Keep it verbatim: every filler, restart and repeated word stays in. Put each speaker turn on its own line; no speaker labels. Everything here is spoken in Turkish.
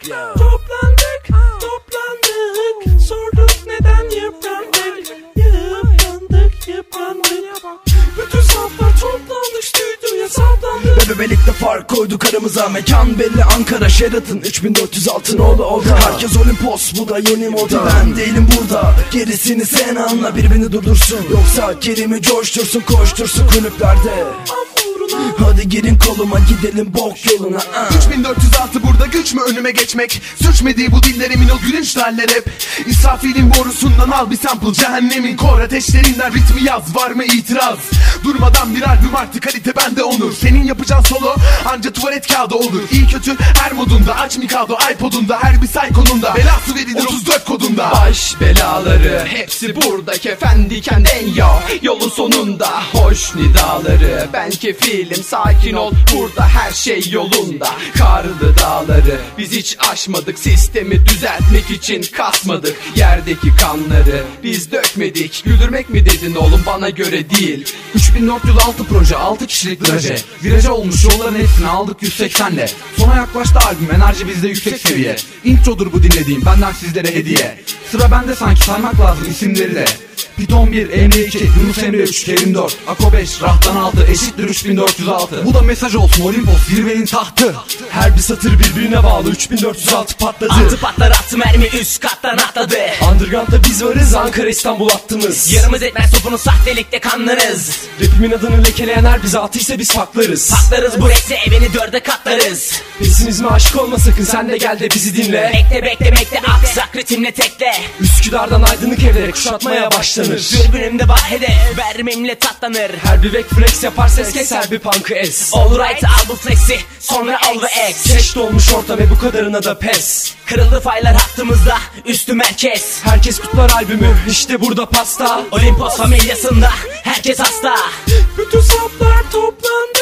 yeah. Toplandık, toplandık, sorduk neden yıprandık. Yıprandık, yıprandık. Bütün saflar toplandık, stüdyoya saplandık.
Bebelikte fark koyduk aramıza. Mekan belli, Ankara Sheraton, üç bin dört yüz altı nolu oda. Herkes Olimpos, bu da yeni moda. Ben değilim burada, gerisini sen anla. Birbirini durdursun, yoksa kelime coştursun, koştursun kulüplerde. Hadi girin koluma, gidelim bok yoluna.
üç bin dört yüz altı burada güç mü önüme geçmek? Sürçmediği bu diller emin ol gülünç haller hep. İsrafilin borusundan al bir sample, cehennemin kor ateşlerinden ritmi yaz, var mı itiraz? Durmadan bir albüm artık, kalite bende onur. Senin yapacağın solo anca tuvalet kağıdı olur. İyi kötü her modunda, aç Mikado iPod'unda, her bir saykonunda belası verilir otuz dört kodunda.
Baş belaları hepsi burada, kefen diken en ya yolun sonunda. Hoş nidaları ben kefilim, sakin ol burada her şey yolunda. Karlı dağları biz hiç aşmadık, sistemi düzeltmek için kasmadık. Yerdeki kanları biz dökmedik, güldürmek mi dedin oğlum, bana göre değil.
Üç bin dört yüz altı proje, altı kişilik viraje. Viraja olmuş yolların hepsini aldık yüz seksenle. Sona yaklaştı albüm, enerji bizde yüksek seviye. Introdur bu dinlediğim, benden sizlere hediye. Sıra bende sanki, saymak lazım isimleri de. Piton bir, Emre iki, Yunus Emre üç, Kerim dört, Ako beş, Rahtan altı eşittir üç bin dört yüz altı. Bu da mesaj olsun, Olimpos zirvenin tahtı.
Her bir satır birbirine bağlı, üç bin dört yüz altı patladı.
Altı patlar, attı mermi üst kattan atladı.
Underground'da biz varız, Ankara İstanbul attınız.
Yarımız etmez topunun sahtelikte kanlarız.
Rapimin adını lekeleyen her bize atıysa biz paklarız.
Patlarız bu rekse, evini dörde katlarız.
Pesimizme aşık olma sakın, sen de gel de bizi dinle.
Bekle bekle bekle, aksak ritimle tekle.
Üsküdar'dan aydınlık evlere kuşatmaya başlanır.
Dürbünümde var hedef, vermimle tatlanır.
Her bir back flex yapar ses keser, bir punk'ı es.
Alright al bu flexi, sonra al ve ex.
Keş dolmuş orta ve bu kadarına da pes.
Kırıldı faylar hattımızda, üstü merkez.
Herkes kutlar albümü, işte burada pasta.
Olimpos familyasında herkes hasta. Bütün saplar toplandı,